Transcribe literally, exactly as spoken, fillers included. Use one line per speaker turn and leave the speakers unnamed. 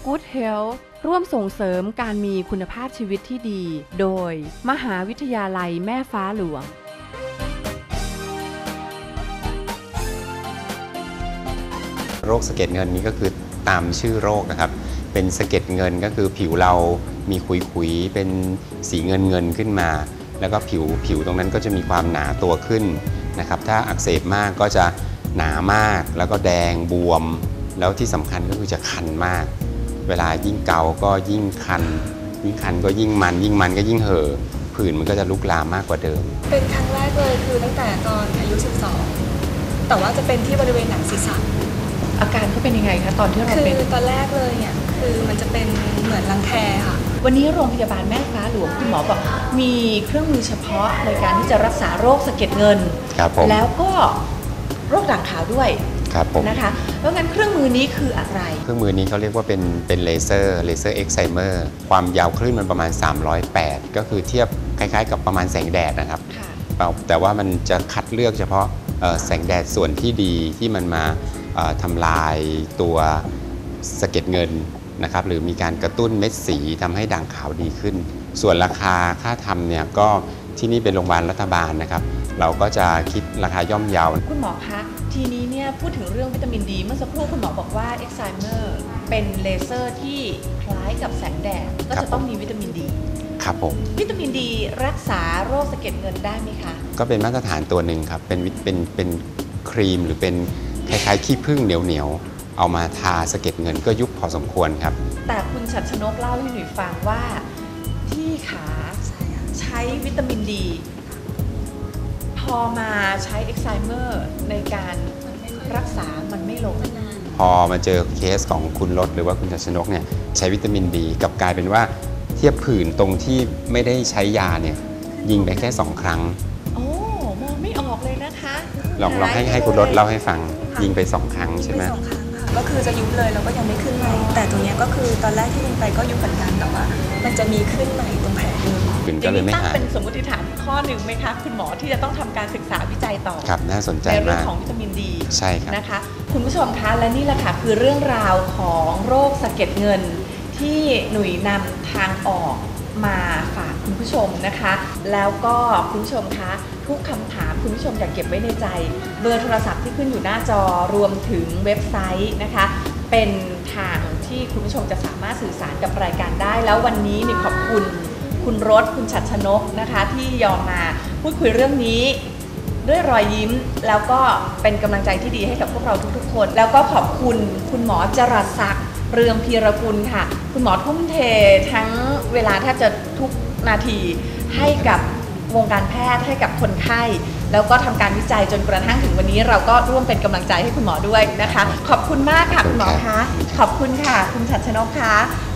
Good Health ร่วมส่งเสริมการมีคุณภาพชีวิตที่ดีโดยมหาวิทยาลัยแม่ฟ้าหลวง
โรคสะเก็ดเงินนี้ก็คือตามชื่อโรคนะครับเป็นสะเก็ดเงินก็คือผิวเรามีขุยๆเป็นสีเงินเงินขึ้นมาแล้วก็ผิวผิวตรงนั้นก็จะมีความหนาตัวขึ้นนะครับถ้าอักเสบมากก็จะหนามากแล้วก็แดงบวมแล้วที่สำคัญก็คือจะคันมากเวลายิ่งเกาก็ยิ่งคันยิ่งคันก็ยิ่งมันยิ่งมันก็ยิ่งเห่อผื่นมันก็จะลุกลามมากกว่าเดิม
เป็นครั้งแรกเลยคือตั้งแต่ตอนอายุสิบสองแต่ว่าจะเป็นที่บริเวณหนังศีรษะ
อาการเขาเป็นยังไงคะตอนที่เราเป็น
คือตอนแรกเลยเนี่ยคือมันจะเป็นเหมือนรังแคค่ะ
วันนี้โรงพยาบาลแม่ฟ้าหลวงคุณหมอบอกมีเครื่องมือเฉพาะในการที่จะรักษาโรคสะเก็ดเงินแล้วก็โรคด่างขาวด้วยนะคะแล้วงั้นเครื่องมือนี้คืออะไร
เครื่องมือนี้เขาเรียกว่าเป็นเป็นเลเซอร์เลเซอร์เอ็กไซเมอร์ความยาวคลื่นมันประมาณสามร้อยแปดก็คือเทียบคล้ายๆกับประมาณแสงแดดนะครับแต่ว่ามันจะคัดเลือกเฉพาะแสงแดดส่วนที่ดีที่มันมาทำลายตัวสะเก็ดเงินนะครับหรือมีการกระตุ้นเม็ดสีทำให้ด่างขาวดีขึ้นส่วนราคาค่าทำเนี่ยก็ที่นี่เป็นโรงพยาบาลรัฐบาลนะครับเราก็จะคิดราคาย่อมเยา
คุณหมอคะทีนี้เนี่ยพูดถึงเรื่องวิตามินดีเมื่อสักครู่คุณหมอบอกว่าเอ็กไซเมอร์เป็นเลเซอร์ที่คล้ายกับแสงแดดก็จะต้องมีวิตามินดี
ครับผม
วิตามินดีรักษาโรคสะเก็ดเงินได้ไหมคะ
ก็เป็นมาตรฐานตัวหนึ่งครับเป็นเป็นเป็นครีมหรือเป็นคล้ายๆขี้ผึ้งเหนียวๆเอามาทาสะเก็ดเงินก็ยุบพอสมควรครับ
แต่คุณชัดชนกเล่าให้หนูฟังว่าที่ขาใช้วิตามินดีพอมาใช้เอ็กไซเมอร์ในการรักษามันไม่ลง
พอมาเจอเคสของคุณรถหรือว่าคุณชัดชนกเนี่ยใช้วิตามินดีกับกลายเป็นว่าเทียบผื่นตรงที่ไม่ได้ใช้ยาเนี่ยยิงไปแค่สองครั้ง
โอ้มองไม่ออกเลยนะคะ
ลองลองให้ให้คุณรถเล่าให้ฟังยิงไปสองครั้งใช่ไหม
สองครั้งค่ะก็คือจะยุบเลยแล้วก็ยังไม่ขึ้นใหม่แต่ตรงนี้ก็คือตอนแรกที่ยิงไปก็ยุบเหมือนกันแต่ว่ามันจะมีขึ้นใหม่ตรงแผลเดิม
ก็เลยไม่หาย
เป็นสมมติฐานข้อหนึ่งไหมคะคุณหมอที่จะต้องทำการศึกษาวิจัยต่อ
ครับน่าสนใจมาก
ในเรื่องของวิตามินดี
ใช่ครับ
นะคะคุณผู้ชมคะและนี่แหละค่ะคือเรื่องราวของโรคสะเก็ดเงินที่หนุ่ยนำทางออกมาฝากคุณผู้ชมนะคะแล้วก็คุณผู้ชมคะทุกคำถามคุณผู้ชมอย่าเก็บไว้ในใจเบอร์โทรศัพท์ที่ขึ้นอยู่หน้าจอรวมถึงเว็บไซต์นะคะเป็นทางที่คุณผู้ชมจะสามารถสื่อสารกับรายการได้แล้ววันนี้นี่ขอบคุณคุณรถคุณชัดชนกนะคะที่ยอมมาพูดคุยเรื่องนี้ด้วยรอยยิ้มแล้วก็เป็นกำลังใจที่ดีให้กับพวกเราทุกๆคนแล้วก็ขอบคุณคุณหมอจรัสศักดิ์เรืองพีรกุลค่ะคุณหมอทุ่มเททั้งเวลาแทบจะทุกนาทีให้กับวงการแพทย์ให้กับคนไข้แล้วก็ทำการวิจัยจนกระทั่งถึงวันนี้เราก็ร่วมเป็นกำลังใจให้คุณหมอด้วยนะคะขอบคุณมากค่ะคุณหมอคะขอบคุณค่ะคุณชัดชนกคะ